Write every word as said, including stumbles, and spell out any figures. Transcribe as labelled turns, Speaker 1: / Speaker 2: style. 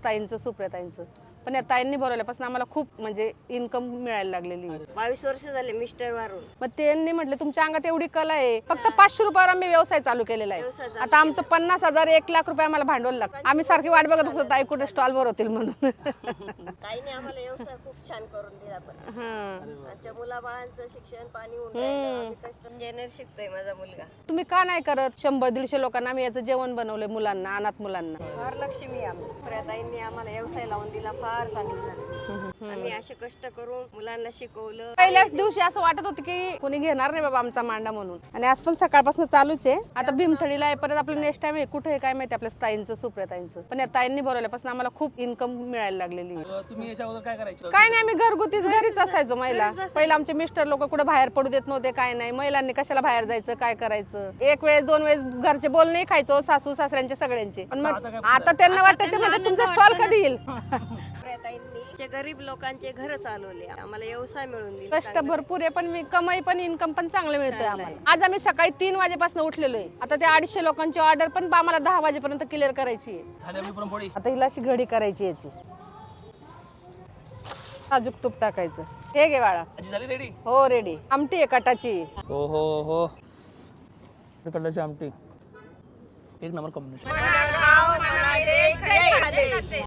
Speaker 1: ताईंचं सुप्रियाताईंचं, पण या ताईंनी बोलवल्यापासून आम्हाला खूप म्हणजे इन्कम मिळायला लागलेली आहे.
Speaker 2: बावीस वर्ष झाले मिस्टर वारून.
Speaker 1: मग त्यांनी म्हटलं तुमच्या अंगात एवढी कला आहे, फक्त पाचशे रुपयावर आम्ही व्यवसाय चालू केलेला
Speaker 2: व्यवसाय
Speaker 1: आहे.
Speaker 2: चालू
Speaker 1: आता आमचं पन्नास हजार एक लाख रुपये आम्हाला भांडवल लागतं. आम्ही सारखी वाट बघत असतो ताई कुठे स्टॉल भरवतील म्हणून.
Speaker 2: ताईने आम्हाला व्यवसाय खूप छान करून दिला. पण
Speaker 1: हं.
Speaker 2: आमच्या मुलाबाळांचं शिक्षण पाणी होऊन राहिलं. आम्ही कष्ट इंजिनियर शिकतोय माझा मुलगा.
Speaker 1: तुम्ही का नाही करत? शंभर दीडशे लोकांना आम्ही याचं जेवण बनवलंय, मुलांना, अनाथ मुलांना.
Speaker 2: फार लक्ष्मी आमची सुप्रियाताईंनी आम्हाला व्यवसाय लावून दिला. फार चांगलं झालं. आम्ही असे कष्ट करून मुलांना शिकवलं.
Speaker 1: पहिल्याच दिवशी असं वाटत होतं की कोणी घेणार नाही बाबा आमचा मांडा म्हणून, आणि आज पण सकाळपासून चालूच आहे. आता भीमथडीला आहे, परत आपलं नेक्स्ट टाइम आहे. कुठे आहे काय माहिती आपल्या ताईंचं सुप्रियाताईंचं, पण या ताईंनी बोलवल्यापासून आम्हाला खूप इन्कम मिळायला लागलेली आहे.
Speaker 3: तुम्ही याच्या अगोदर काय करायचं?
Speaker 1: काय नाही, आम्ही घरगुतीच घरीच असायचो महिला. पहिला आमचे मिस्टर लोक कुठे बाहेर पडू देत नव्हते, काय नाही. महिलांनी कशाला बाहेर जायचं, काय करायचं. एक वेळेस दोन वेळेस घरचे बोलणे खायचो, सासू सासऱ्यांचे सगळ्यांचे. पण मग आता त्यांना वाटतं ते म्हणजे तुमचा स्टॉल कधी येईल.
Speaker 2: सुप्रियाताईंनी गरीब लोकांचे घर चालवले, आम्हाला व्यवसाय मिळून दिला.
Speaker 1: कष्ट भरपूर आहे, पण मी कमाई पण इन्कम पण चांगलं मिळतोय आम्हाला. आज आम्ही सकाळी तीन वाजेपासून उठलेलो आहे. आता ते अडीचशे लोकांची ऑर्डर पण आम्हाला दहा वाजेपर्यंत क्लिअर करायची आहे.
Speaker 3: झाली आपली पुरणपोळी.
Speaker 1: आता हिला अशी घडी करायची याची, साजूक तूप टाकायचं. हे घे बाळा.
Speaker 3: आजी झाली रेडी?
Speaker 1: हो रेडी. आमटी आहे कटाची.
Speaker 3: हो हो हो, कटाची आमटी एक नंबर कॉम्बिनेशन.